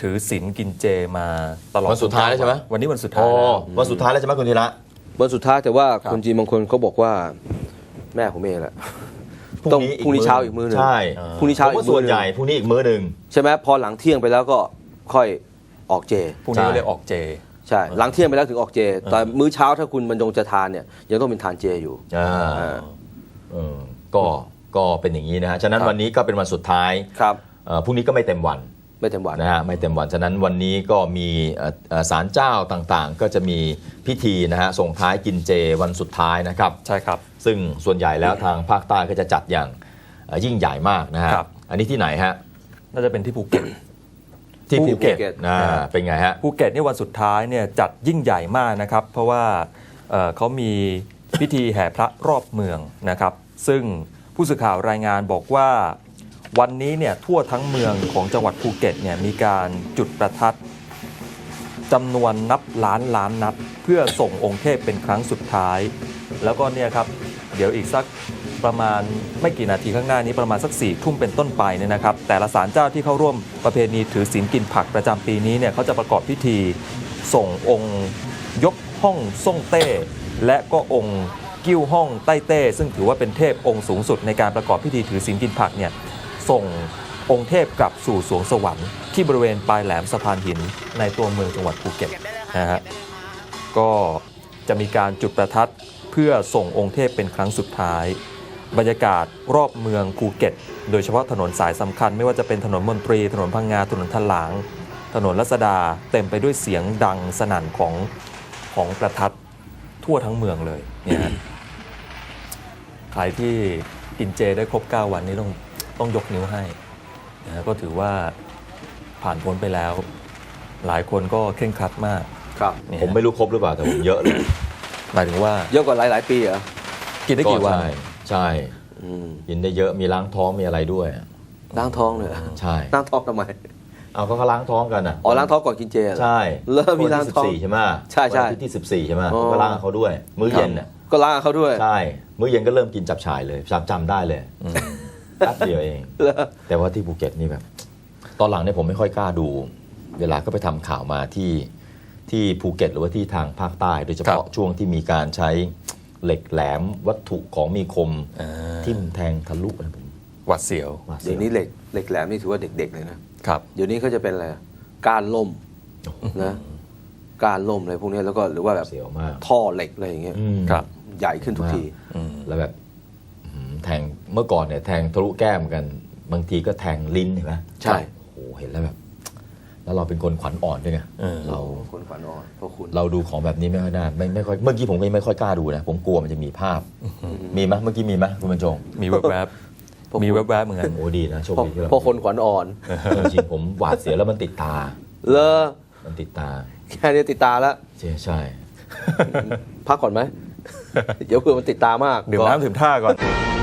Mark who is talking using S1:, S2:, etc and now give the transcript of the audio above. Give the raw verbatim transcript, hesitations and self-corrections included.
S1: ถือศีลกินเจมาตลอด
S2: วันสุดท้ายแล้วใช่ไหม
S1: วันนี้วันสุดท้าย
S2: อ๋อ
S1: แล้ว
S2: วันสุดท้ายแล้วใช่ไหมคุณธีระ
S3: วันสุดท้ายแต่ว่า
S1: ครับ
S3: คนจีนบางคนเขาบอกว่าแม่ผมเองแหละ
S2: พรุ่
S3: ต้อง
S2: งนี้
S3: พรุ่งนี้เช้าอีกมื้อหนึ่ง
S2: ใช่
S3: พรุ่งนี้เช้า
S2: ผม
S3: อี
S2: ว่าก
S3: มื้
S2: ส่
S3: อ
S2: วน
S3: หนึ่
S2: ให
S3: ง
S2: ญ่พรุ่งนี้อีกมื้อหนึ่ง
S3: ใช่ไหมพอหลังเที่ยงไปแล้วก็ค่อยออกเจ
S1: พรุ่งนี้
S2: ใช่
S1: ก็เลยออกเจ
S3: ใช่หลังเที่ยงไปแล้วถึงออกเจแต่มื้อเช้าถ้าคุณบรรจงจะทานเนี่ยยังต้องเป็นทานเจอยู่
S2: อ่า
S3: อ่า
S2: เออก็ก็เป็นอย่างนี้นะฮะฉะนั้น
S3: ครับ
S2: วันนี้ก็เป็นวันสุดท้าย
S3: ครับ
S2: เอ่อพรุ่งนี้ก็ไม่เต็มวัน
S3: ไม่เต็มวัน
S2: นะฮะไม่เต็มวันฉะนั้นวันนี้ก็มีเอ่อเอ่อศาลเจ้าต่างๆ ก็จะมีพิธีนะฮะส่งท้ายกินเจวันสุดท้ายนะครับ
S1: ใช่ครับ
S2: ซึ่งส่วนใหญ่แล้วทางภาคใต้ก็จะจัดอย่างเอ่อยิ่งใหญ่มากนะฮะ
S1: ครับ
S2: อันนี้ที่ไหนฮะ
S1: น่าจะเป็นที่ภูเก็ต
S2: ที่ภูเก็ต
S3: ภูเก็ต
S2: อ่าเป็นไงฮะ
S1: ภูเก็ตนี่วันสุดท้ายเนี่ยจัดยิ่งใหญ่มากนะครับ เพราะว่าเอ่อเขามีพิธีแห่พระรอบเมืองนะครับ ซึ่งผู้สื่อข่าวรายงานบอกว่าวันนี้เนี่ยทั่วทั้งเมืองของจังหวัดภูเก็ตเนี่ยมีการจุดประทัดจำนวนนับล้านล้านนัด เพื่อส่งองค์เทพเป็นครั้งสุดท้าย แล้วก็เนี่ยครับเดี๋ยวอีกสักประมาณไม่กี่นาทีข้างหน้านี้ประมาณสักสี่ทุ่มเป็นต้นไปเนี่ยนะครับ แต่ละศาลเจ้าที่เข้าร่วมประเพณีถือศีลกินผักประจำปีนี้เนี่ยเขาจะประกอบพิธีส่งองค์ยกห้องส่งเต้ และก็องค์กิ้วห้องใต้เต้ ซึ่งถือว่าเป็นเทพองค์สูงสุดในการประกอบพิธีถือศีลกินผักเนี่ยส่งองค์เทพกลับสู่สวงสวรรค์ที่บริเวณปลายแหลมสะพานหินในตัวเมืองจังหวัดภูเก็ตนะฮะก็จะมีการจุดประทัดเพื่อส่งองค์เทพเป็นครั้งสุดท้าย บรรยากาศรอบเมืองภูเก็ตโดยเฉพาะถนนสายสำคัญไม่ว่าจะเป็นถนนมนตรีถนนพังงาถนนทลาง ถนนรัศดาเต็มไปด้วยเสียงดังสนั่นของของประทัดทั่วทั้งเมืองเลยเนี่ยฮะ ใครที่กินเจได้ครบเก้าวันนี้ต้องต้องยกนิ้วให้นะก็ถือว่าผ่านพ้นไปแล้ว หลายคนก็เคร่งครัดมาก
S3: ครับ
S1: เนี่ย
S2: ผมไม่รู้ครบหรือเปล่าแต่ผมเยอะเลย
S1: หมายถึงว่า
S3: เยอะกว่าหลายๆปีเหรอ
S1: กินได้กี่วัน
S2: ใช่ใช่
S3: อืม
S2: กินได้เยอะมีล้างท้องมีอะไรด้วย
S3: ล้างท้องเลยเหรอ
S2: ใช่
S3: ล้างท้องทำไม
S2: เอาก็เขาล้างท้องกันอ่ะ
S3: อ๋อล้างท้องก่อนกินเจเหรอ
S2: ใช่
S3: เริ่มมีล้างท้อง
S2: วันที่สิบสี่ใช่ไหม
S3: ใช่ใช่
S2: วันที่สิบสี่ใช่ไหม
S3: อ๋อ
S2: ก็ล้างเขาด้วย มื้อเย็นน่ะ
S3: ก็ล้างเขาด้วย
S2: ใช่มื้อเย็นก็เริ่มกินจับฉ่ายเลยจำจำได้เลยแป๊บเดียวเอง
S3: เหรอ
S2: แต่ว่าที่ภูเก็ตนี่แบบ ตอนหลังเนี่ยผมไม่ค่อยกล้าดู เวลาก็ไปทำข่าวมาที่ที่ภูเก็ตหรือว่าที่ทางภาคใต้ โดยเฉพาะช่วงที่มีการใช้เหล็กแหลมวัตถุของมีคม
S1: อ่า
S2: ทิ่มแทงทะลุอะไรผม
S1: หวัดเสียว
S2: ว่าสี
S3: เดี๋ยวนี้เหล็กเหล็กแหลมนี่ถือว่าเด็กๆเลยนะครับ เดี๋ยวนี้เขาจะเป็นอะไรก้านล่มนะก้านล่มอะไรพวกนี้แล้วก็หรือว่าแบบ
S2: เสียวมาก
S3: ท่อเหล็กอะไรอย่างเงี้ย
S2: อืม
S1: ครับ
S3: ใหญ่ขึ้นทุกที
S1: อืม
S2: แล้วแบบอื้อหือแทงเมื่อก่อนเนี่ยแทงทะลุแก้มกัน บางทีก็แทงลิ้นเห็นไหม
S3: ใช่
S2: โอ้โหเห็นแล้วแบบ แล้วเราเป็นคนขวัญอ่อนด้วยไง
S1: เออ
S2: เรา
S3: คนขวัญอ่อนเพราะคุณ
S2: เราดูของแบบนี้ไม่ค่อยได้ไม่ไม่ค่อยเมื่อกี้ผมก็ไม่ค่อยกล้าดูนะผมกลัวมันจะมีภาพ มีไหมเมื่อกี้มีไหมคุณบรรจง
S1: มีแวบๆมีแวบๆเหมือนกัน
S2: โอ้ดีนะโชค
S3: เพราะ
S2: ดีที่เรา
S3: เพราะคนขวัญอ่อน
S2: จริงๆผมหวาดเสียวแล้วมันติดตา
S3: เลอ
S2: มันติดตา
S3: แค่นี้ติดตาแล้ว
S2: ใช่ใช่
S3: พักก่อนไหม เดี๋ยวเพื่อมันติดตามาก
S1: ดื่มน้ำดื่มท่าก่อน